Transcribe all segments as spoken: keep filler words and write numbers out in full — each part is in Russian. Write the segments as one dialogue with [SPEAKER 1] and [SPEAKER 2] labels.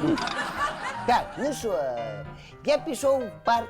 [SPEAKER 1] Так, ну що, я пішов в парк.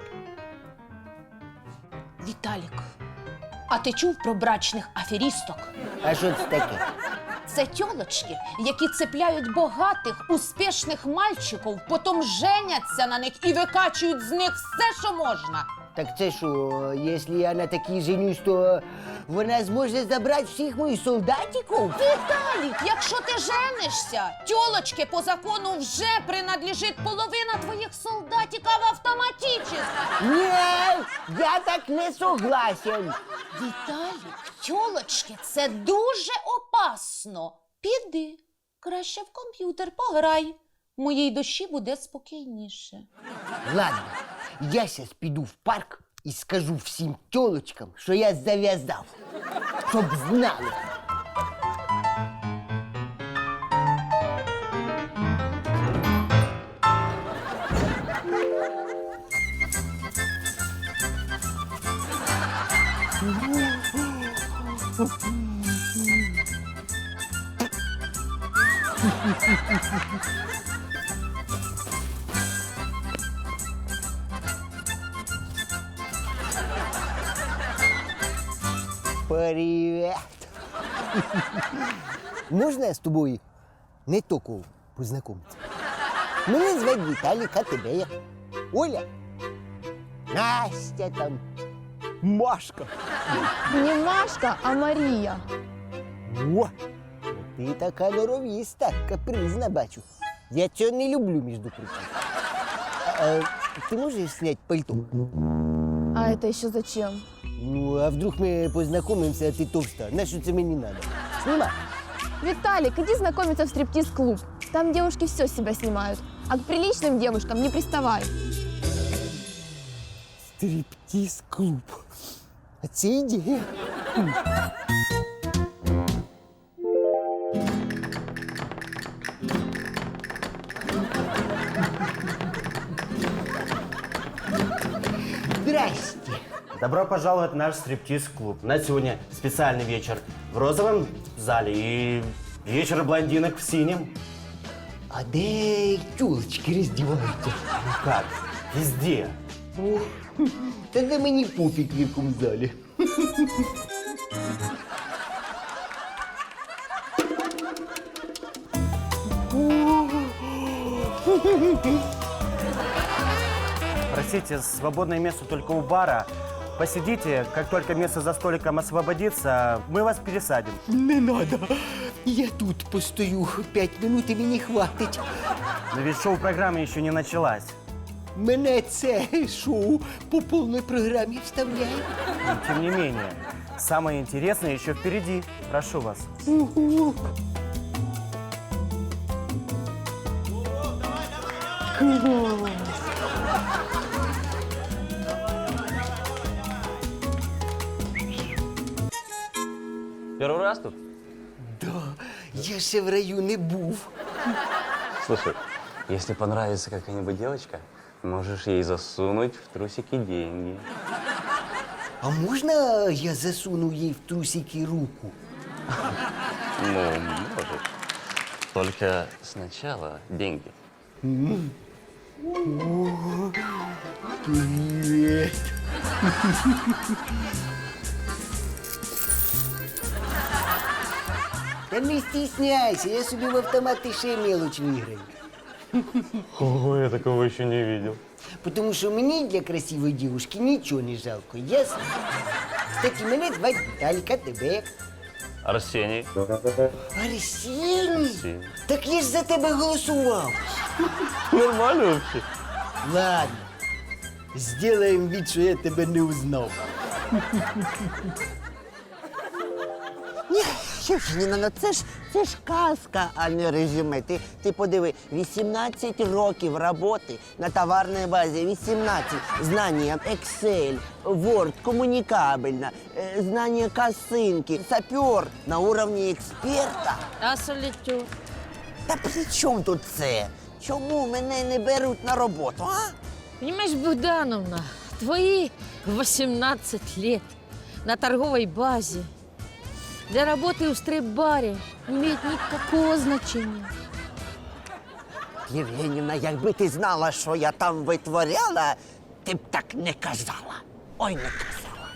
[SPEAKER 2] Віталік, а ти чув про брачних аферісток?
[SPEAKER 1] А що це таке?
[SPEAKER 2] Це тьолочки, які цепляють богатих, успішних мальчиків, потім женяться на них і викачують з них все, що можна.
[SPEAKER 1] Так це що, якщо я на такій женюсь, то вона зможе забрати всіх моїх солдатиків?
[SPEAKER 2] Віталік, якщо ти женишся, тьолочки по закону вже принадлежить половина твоїх солдатиків автоматично.
[SPEAKER 1] Ні, я так не согласен.
[SPEAKER 2] Віталік, тьолочки, це дуже опасно. Піди, краще в комп'ютер пограй. Моїй душі буде спокійніше.
[SPEAKER 1] Ладно, я зараз піду в парк і скажу всім тьолочкам, що я зав'язав, щоб знали. Привет. Можна з тобою не тільки познайомитися? Мене звати Віталік, а тебе як? Оля? Настя там. Машка.
[SPEAKER 3] Не Машка, а Марія.
[SPEAKER 1] О, ти така норовіста, капризна, бачу. Я цього не люблю, між прочим. А, ти можеш зняти пальто?
[SPEAKER 3] А это еще зачем?
[SPEAKER 1] Ну, а вдруг ми познайомимося, а ти товста? На що це мені треба? Знімай.
[SPEAKER 3] Виталик, иди знакомиться в стриптиз-клуб. Там девушки все с себя снимают, а к приличным девушкам не приставай.
[SPEAKER 1] Стриптиз-клуб. А це ідея. Здрасте.
[SPEAKER 4] Добро пожаловать в наш стриптиз-клуб. У нас сегодня специальный вечер в розовом зале и вечер блондинок в синем.
[SPEAKER 1] А де тюлочки роздіваються?
[SPEAKER 4] Ну как? Везде.
[SPEAKER 1] О, тоді мені пофіг в якому залі.
[SPEAKER 4] Простите, свободное место только у бара. Посидите, как только место за столиком освободится, мы вас пересадим.
[SPEAKER 1] Не надо. Я тут постою п'ять минут і мені хватить.
[SPEAKER 4] Но ведь шоу-программа еще не началась.
[SPEAKER 1] Мене це шоу по повній програмі вставляє.
[SPEAKER 4] Но, тем не менее, самое интересное еще впереди. Прошу вас.
[SPEAKER 1] Ого. Клас.
[SPEAKER 5] Первый раз тут?
[SPEAKER 1] Да, я ще в раю не був.
[SPEAKER 5] Слушай, если понравится какая-нибудь девочка, можешь ей засунуть в трусики деньги.
[SPEAKER 1] А можна я засуну їй в трусики руку?
[SPEAKER 5] Ну, можешь. Только сначала деньги.
[SPEAKER 1] Привіт. Та не стесняйся, я собі в автомати ще мелочь виграю.
[SPEAKER 5] Ого, я такого еще не видел.
[SPEAKER 1] Потому що мені для красивої дівушки нічого не жалко, ясно? Кстати, мене звати Віталік, а тебе як?
[SPEAKER 5] Арсений.
[SPEAKER 1] Арсеній?
[SPEAKER 5] Арсеній.
[SPEAKER 1] Так я ж за тебе голосував.
[SPEAKER 5] Нормально вообще?
[SPEAKER 1] Ладно, сделаем вид, що я тебе не узнав.
[SPEAKER 6] Що ж, Ніна, ну це ж, це ж казка, а не резюме. Ти, ти подиви, вісімнадцять років роботи на товарній базі, вісімнадцять знання Excel, Word, комунікабельна, е, знання косинки, сапер на уровні експерта.
[SPEAKER 7] А солітюр?
[SPEAKER 6] Та при чому тут це? Чому мене не беруть на роботу, а?
[SPEAKER 7] Понимаешь, Богдановна, твои восемнадцать лет на торговой базе для работы в стрип-баре не имеет никакого значения.
[SPEAKER 6] Євгенівна, якби ти знала, що я там витворяла, ти б так не казала. Ой, не казала.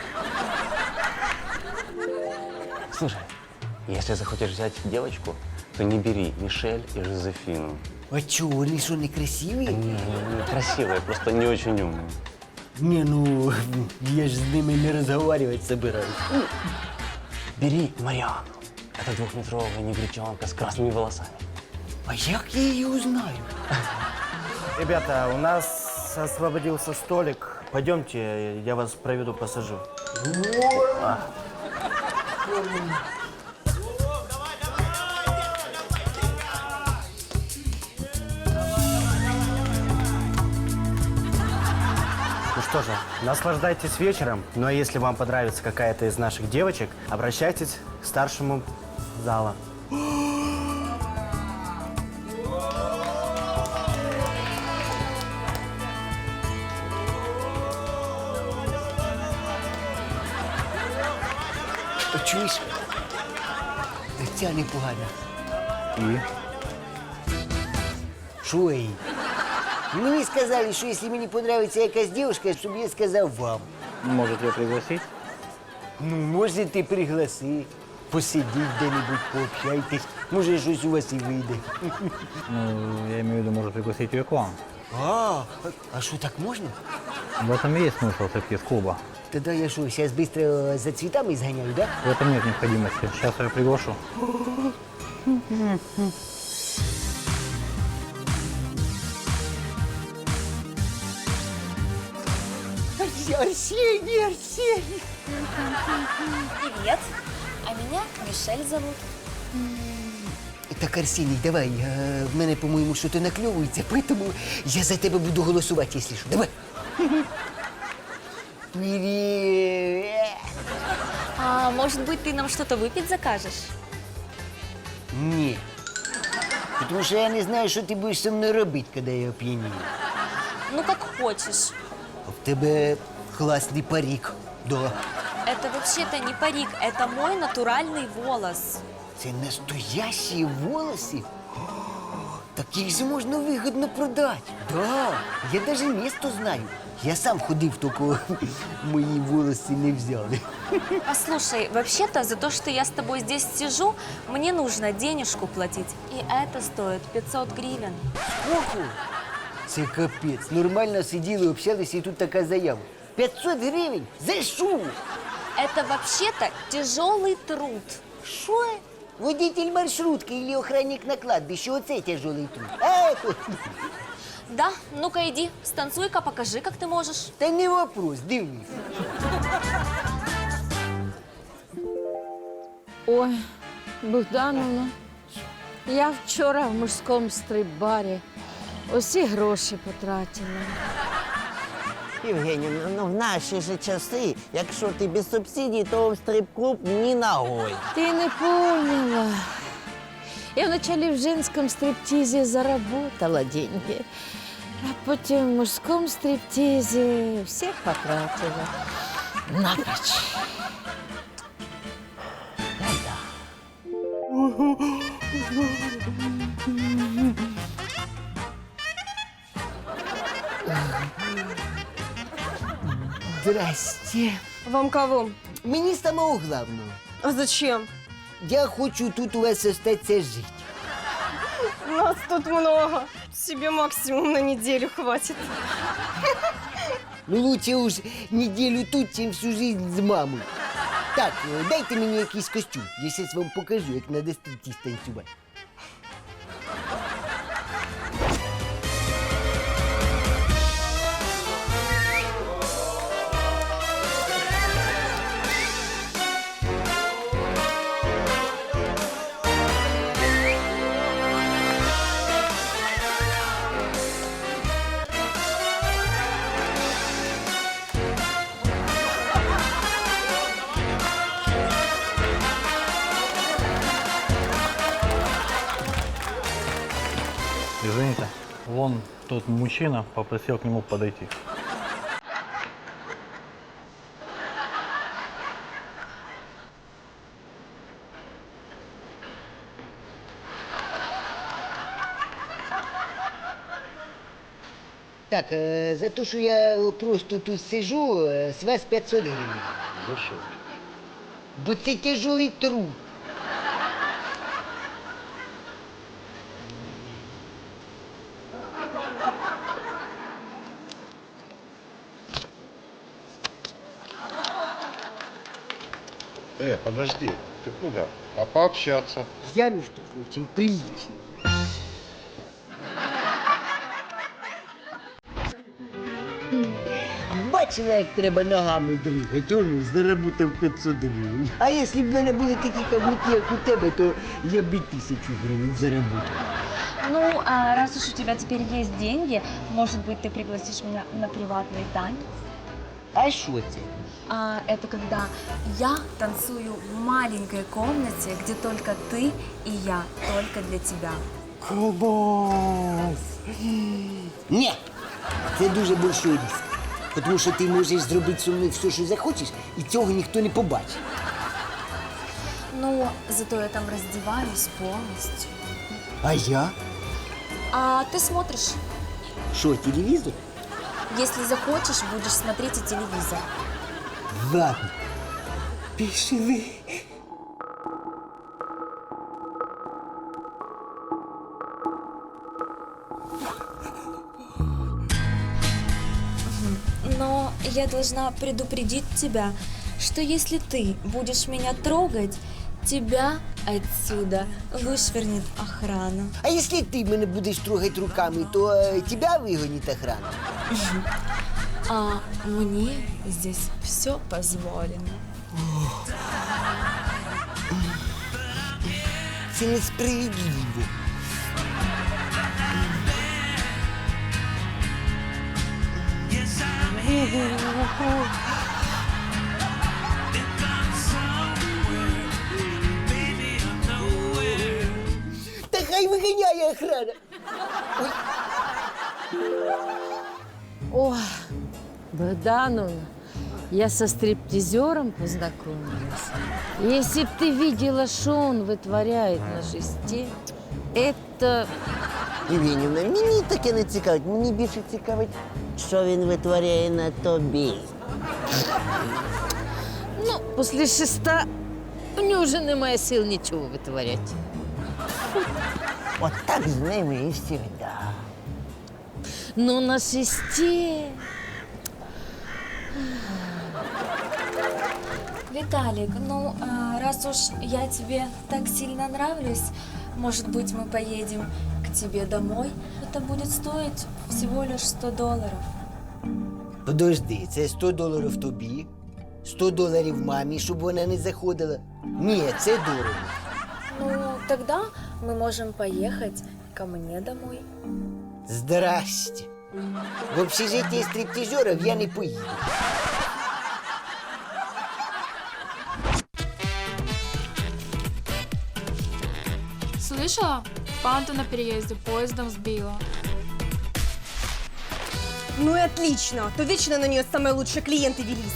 [SPEAKER 5] Слушай, если захочешь взять девочку, то не бери Мишель и Жозефину.
[SPEAKER 1] А чого, вони що, не красиві?
[SPEAKER 5] Они красивые, просто не очень умные.
[SPEAKER 1] Не, ну, я ж з ними не розговаривать собираюсь.
[SPEAKER 5] Бери Мариану. Это двухметровая негритянка с красными волосами.
[SPEAKER 1] А як я її узнаю?
[SPEAKER 4] Ребята, у нас освободился столик. Пойдемте, я вас проведу, посажу. Ну что же, наслаждайтесь вечером. Ну а если вам понравится какая-то из наших девочек, обращайтесь к старшему зала.
[SPEAKER 1] О, чуєш? Ця непогана.
[SPEAKER 8] І?
[SPEAKER 1] Що їй? Мені сказали, що якщо мені подобається якась дівчинка, щоб я сказав вам.
[SPEAKER 8] Может, ее пригласить?
[SPEAKER 1] Ну, можете пригласи, посидіть де-небудь, пообщайтесь. Може, щось у вас і вийде.
[SPEAKER 8] Ну, я имею в виду, может пригласить ее к вам.
[SPEAKER 1] А, а що, так можна?
[SPEAKER 8] В этом и есть смысл стриптиз-клуба.
[SPEAKER 1] Тоді я що, зараз швидко за цвітами зганяю, да?
[SPEAKER 8] В этом нет необходимости. Сейчас я ее приглашу.
[SPEAKER 1] Арсений, Арсений!
[SPEAKER 9] Привет, а меня Мишель зовут.
[SPEAKER 1] Так, Арсеній, давай, е, в мене, по-моєму, щось накльовується, тому я за тебе буду голосувати, якщо що. Давай. Привіт!
[SPEAKER 9] А может быть, ты нам что-то выпить закажешь?
[SPEAKER 1] Ні. Тому що я не знаю, що ти будеш зі мною робити, коли я оп'янію.
[SPEAKER 9] Ну, как хочешь.
[SPEAKER 1] А в тебе класний парик. Да.
[SPEAKER 9] Это вообще-то не парик, это мой натуральный волос.
[SPEAKER 1] Це настоящі волоси? О, так їх же можна вигідно продати. Да, я навіть місто знаю. Я сам ходив, тільки мої волоси не взяли.
[SPEAKER 9] Послушай, вообще-то за то, что я с тобой здесь сижу, мне нужно денежку платить. И это стоит пятьсот гривен.
[SPEAKER 1] Ого! Це капець. Нормально сиділи, общалися, і тут така заява. п'ятсот гривень? За що?
[SPEAKER 9] Это вообще-то тяжелый труд.
[SPEAKER 1] Що? Водитель маршрутки или охранник на кладбище, оце тяжелий труд. А,
[SPEAKER 9] Да, ну-ка иди, станцуй-ка, покажи, как ты можешь.
[SPEAKER 1] та не вопрос, дивись.
[SPEAKER 7] Ой, Богдановна, я вчора в мужському стрип-барі усі гроші потратила.
[SPEAKER 6] Євгенівна, ну в наші ж часи, якщо ти без субсидій, то в стрип-клуб ні ногой.
[SPEAKER 7] Ты не поняла. Я вначале в женском стриптизе заработала деньги, а потім в мужском стриптизе всех потратила. Напрочь.
[SPEAKER 1] Здрасте.
[SPEAKER 10] Вам кого?
[SPEAKER 1] Мені самого главного.
[SPEAKER 10] А зачем?
[SPEAKER 1] Я хочу тут у вас остатися жити.
[SPEAKER 10] Нас тут много. Себе максимум на неделю хватит.
[SPEAKER 1] Ну, лучше уж неделю тут, чим всю жизнь з мамою. Так, е, дайте мені якийсь костюм. Я зараз вам покажу, як треба стриптиз танцювати.
[SPEAKER 8] Извините, вон тот мужчина попросил к нему подойти.
[SPEAKER 1] Так, е, за те, що я просто тут сижу, е, з вас п'ятсот гривень.
[SPEAKER 4] Ну что?
[SPEAKER 1] Бо це тяжелий труд.
[SPEAKER 11] Э, подожди, ты куда? А пообщаться?
[SPEAKER 1] Я, між прочим, приличний. Бачила, як треба ногами двигати, он заработав п'ятсот гривень. А якщо б в мене були такі каблуки, як у тебе, то я б і тисячу гривень заработав.
[SPEAKER 9] Ну, а раз уж у тебя теперь есть деньги, может быть, ты пригласишь меня на приватный танец?
[SPEAKER 1] А що це?
[SPEAKER 9] А, это когда я танцую в маленькой комнате, где только ты и я, только для тебя.
[SPEAKER 1] Клас! Ні, це дуже большой риск. Тому що ти можеш зробити зі мною все, що захочеш, і цього ніхто не побачить.
[SPEAKER 9] Ну, зато я там раздеваюсь полностью.
[SPEAKER 1] А я?
[SPEAKER 9] А ты смотришь?
[SPEAKER 1] Що, телевізор?
[SPEAKER 9] Если захочешь, будешь смотреть и телевизор.
[SPEAKER 1] Ладно. Пішли.
[SPEAKER 9] Но я должна предупредить тебя, что если ты будешь меня трогать, тебя отсюда вышвырнет охрана.
[SPEAKER 1] А якщо ти мене будеш трогати руками, то е, тебе вигонить охрана.
[SPEAKER 9] А мне здесь все позволено.
[SPEAKER 1] Це несправедливо. Та хай виганяє охрана.
[SPEAKER 7] Ой, Богдановна, я со стриптизером познакомилась. Если б ты видела, что он вытворяет на шесте, это...
[SPEAKER 6] Євгенівна, мені таке не цікавить. Мені більше цікавить, що він витворяє на тобі.
[SPEAKER 7] Ну, после шеста у нього вже немає сил нічого витворяти.
[SPEAKER 6] От так з ними і всегда.
[SPEAKER 7] Но на шесте...
[SPEAKER 9] Виталик, ну, а, раз уж я тебе так сильно нравлюсь, может быть, мы поедем к тебе домой? Это будет стоить всего лишь сто долларов.
[SPEAKER 1] Подожди, це сто доларів тобі, сто доларів мамі, щоб вона не заходила. Ні, це дорого.
[SPEAKER 9] Ну, тогда мы можем поехать ко мне домой.
[SPEAKER 1] Здрасте. В общежитие стриптизеров я не поїду.
[SPEAKER 10] Слышала? Панту на переезде поездом сбила.
[SPEAKER 3] Ну и отлично, то вечно на нее самые лучшие клиенты велись.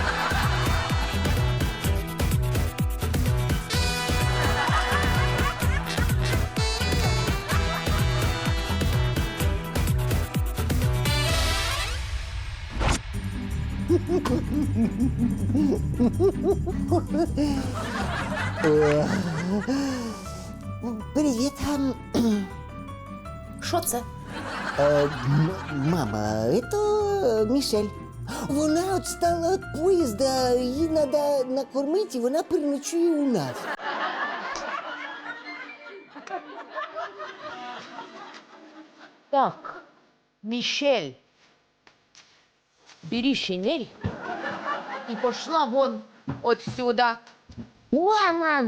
[SPEAKER 1] Привіт.
[SPEAKER 2] Що це?
[SPEAKER 1] Е, м- мама, це Мішель. Вона відстала від поїзда, їй треба накормити, і вона переночує у нас.
[SPEAKER 7] Так, Мишель, бери шинель и пошла вон отсюда. Мама!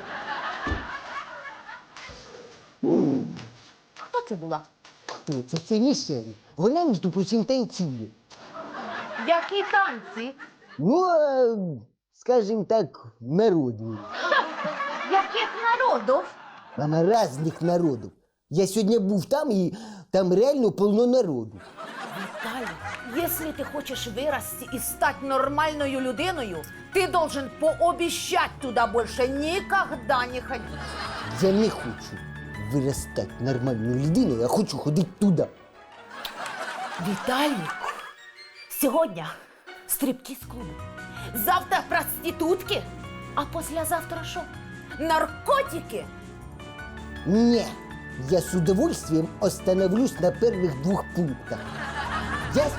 [SPEAKER 7] Хто це була?
[SPEAKER 1] Ні, Це, це Мішель. Вона, між прочим, танцює.
[SPEAKER 7] Які танці?
[SPEAKER 1] Ну, е, скажімо так, народні.
[SPEAKER 7] Яких народів?
[SPEAKER 1] Мама, різних народів. Я сьогодні був там, і там реально повно народу.
[SPEAKER 2] Виталий, если ты хочешь вырасти и стать нормальной людиною, ты должен пообещать туда больше никогда не ходить.
[SPEAKER 1] Я не хочу виростати нормальною людиною, я хочу ходити туди.
[SPEAKER 2] Виталик, сегодня стриптиз-клуб, завтра проститутки, а послезавтра что? Наркотики?
[SPEAKER 1] Не, я с удовольствием остановлюсь на первых двух пунктах. Ясно?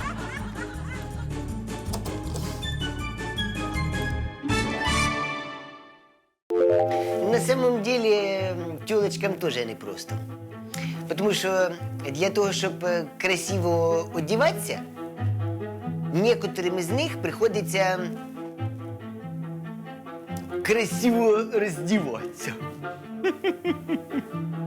[SPEAKER 1] На самом деле, тёлочкам тоже непросто. Потому что для того, чтобы красиво одеваться, некоторым из них приходится красиво раздеваться.